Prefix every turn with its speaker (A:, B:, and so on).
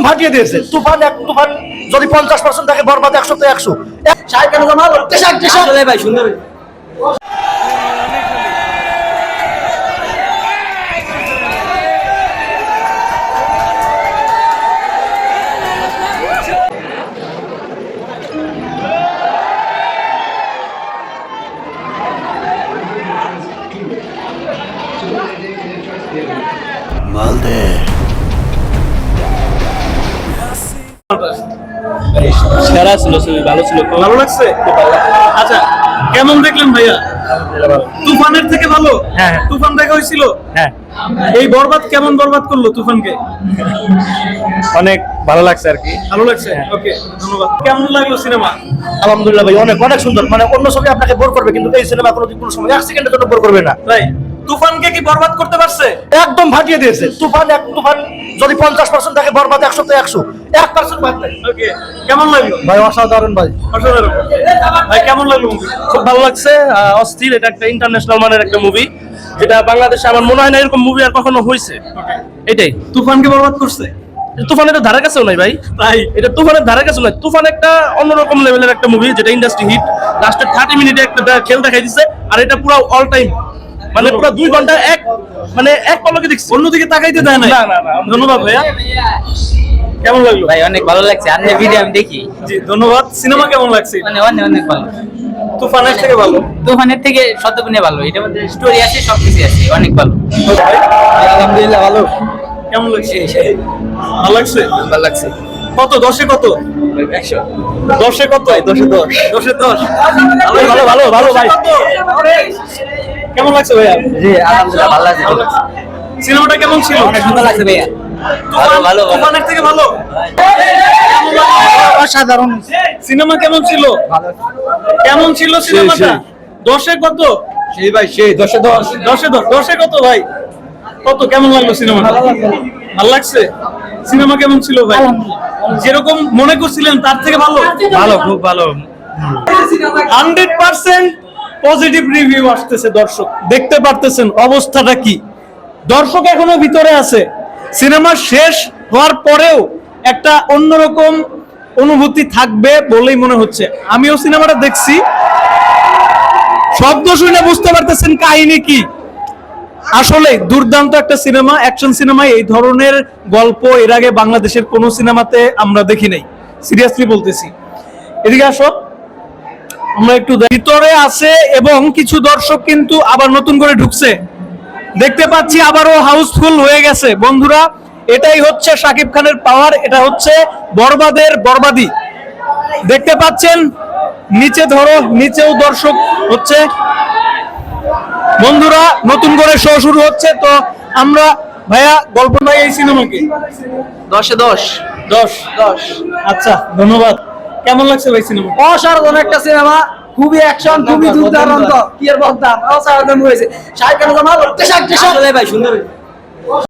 A: ফাটিয়ে দিয়েছে। তুফান তুফান যদি 50% থাকে, বরবাদ 100 তে 100। শাহিদ খান জামাল আসলে ভাই সুন্দর।
B: মালদে
C: সেরা ছিল, ছবি ভালো ছিল,
D: ভালো লাগছে। আচ্ছা, কেমন দেখলেন ভাইয়া? তুফানের থেকে ভালো?
C: হ্যাঁ।
D: তুফান দেখা হয়েছিল?
C: হ্যাঁ,
D: এই বরবাদ কেমন বরবাদ করলো তুফানকে?
C: অনেক ভালো লাগছে আর কি।
D: ভালো লাগছে। ওকে, ধন্যবাদ। কেমন লাগলো সিনেমা?
A: আলহামদুলিল্লাহ ভাই, অনেক অনেক সুন্দর। মানে অন্য ছবি আপনাকে বোর করবে, কিন্তু এই সিনেমা কোনো সময় 1 সেকেন্ডের জন্য বোর করবে না।
D: তাই তুফানকে কি বরবাদ করতে পারছে?
A: একদম ফাটিয়ে দিয়েছে। তুফান যদি 50% থাকে, বরবাদ 100 তে 100। 1% বাদ নাই।
D: ওকে, কেমন লাগলো
A: ভাই অসাধারণ ভাই।
D: অসাধারণ। ভাই কেমন লাগলো মুভি?
C: খুব ভালো লাগছে, অস্থির। এটা একটা ইন্টারন্যাশনাল মানের একটা মুভি, যেটা বাংলাদেশে আমার মনে হয় না এরকম মুভি আর কখনো হয়েছে। এটাই
D: তুফানকে বরবাদ করছে?
C: তুফান এটা ধারে কাছেও নাই ভাই।
D: তাই
C: এটা তুফানের ধারে কাছেও নাই। তুফান একটা অন্যরকম লেভেলের একটা মুভি, যেটা ইন্ডাস্ট্রি হিট। লাস্টের 30 মিনিটে একটা খেল দেখাই দিচ্ছে, আর এটা পুরো অল টাইম, মানে পুরো 2 ঘন্টা এক পলকে দেখছি।
D: অন্যদিকে তাকাইতে দেয় না।
C: না না না।
D: ধন্যবাদ ভাইয়া। কেমন লাগলো?
E: ভাই অনেক ভালো লাগছে, আপনি ভিডিও আমি দেখি,
D: জি ধন্যবাদ। সিনেমা কেমন লাগছে?
E: মানে অনেক অনেক ভালো।
D: তুফানের থেকে ভালো?
E: তুফানের থেকে শতগুণে ভালো, এটার মধ্যে স্টোরি আছে, সবকিছু আছে, অনেক ভালো।
A: আলহামদুলিল্লাহ ভালো।
D: কেমন লাগছে? ভালো লাগছে।
E: ভালো লাগছে।
D: কত 10-এ কত?
E: 100।
D: 10-এ কত? 10-এ 10। 10-এ 10।
A: ভালো ভালো ভালো ভাই।
D: কেমন লাগছে ভাইয়া?
E: জি আলহামদুলিল্লাহ ভালো লাগছে।
D: সিনেমাটা কেমন ছিল?
E: অনেক সুন্দর লাগছে ভাইয়া।
D: তুফান-
E: ভালো, ভালো।
D: তুফানের থেকে ভালো?
A: অসাধারণ।
D: সিনেমা কেমন ছিল? কেমন ছিল সিনেমাটা? 10-এ কত?
A: সেই ভাই সেই 10 এ 10।
D: 10-এ 10। 10-এ কত ভাই? কত কেমন লাগলো সিনেমাটা? ভালো লাগছে। সিনেমা কেমন ছিল ভাই? যেরকম মনে করছিলেন তার থেকে ভালো?
C: ভালো, খুব ভালো।
D: 100% পজিটিভ রিভিউ আসতেছে। দর্শক দেখতে পারতেছেন অবস্থাটা কি। দর্শক এখনো ভিতরে আছে। সিনেমা শেষ হওয়ার পরেও একটা অন্যরকম অনুভূতি থাকবে বলেই মনে হচ্ছে। আমিও সিনেমাটা দেখছি, শব্দ শুনে বুঝতে পারতেছেন কাহিনী কি। আসলে দুর্দান্ত একটা সিনেমা, অ্যাকশন সিনেমা। এই ধরনের গল্প এর আগে বাংলাদেশের কোন সিনেমাতে আমরা দেখি নাই, সিরিয়াসলি বলতেছি। এদিকে আসো, আমরা একটু ভিতরে আছে এবং কিছু দর্শক কিন্তু আবার নতুন করে ঢুকছে, দেখতে পাচ্ছি আবারও হাউসফুল হয়ে গেছে। বন্ধুরা, এটাই হচ্ছে শাকিব খানের পাওয়ার, এটা হচ্ছে বরবাদের বরবাদি। দেখতে পাচ্ছেন নিচে ধরো, নিচেও দর্শক হচ্ছে। বন্ধুরা, নতুন করে শো শুরু হচ্ছে। তো আমরা ভাইয়া গল্প ভাই এই সিনেমাকে
E: 10-এ 10।
D: 10। আচ্ছা, ধন্যবাদ। কেমন লাগছে ভাই সিনেমা?
A: অসাধারণ একটা সিনেমা, খুবই অ্যাকশন, খুবই দুর্দান্ত। কি আর বলতাম, অসাধারণ হয়েছে। শাহিদ খান জামাল আসলে ভাই সুন্দর।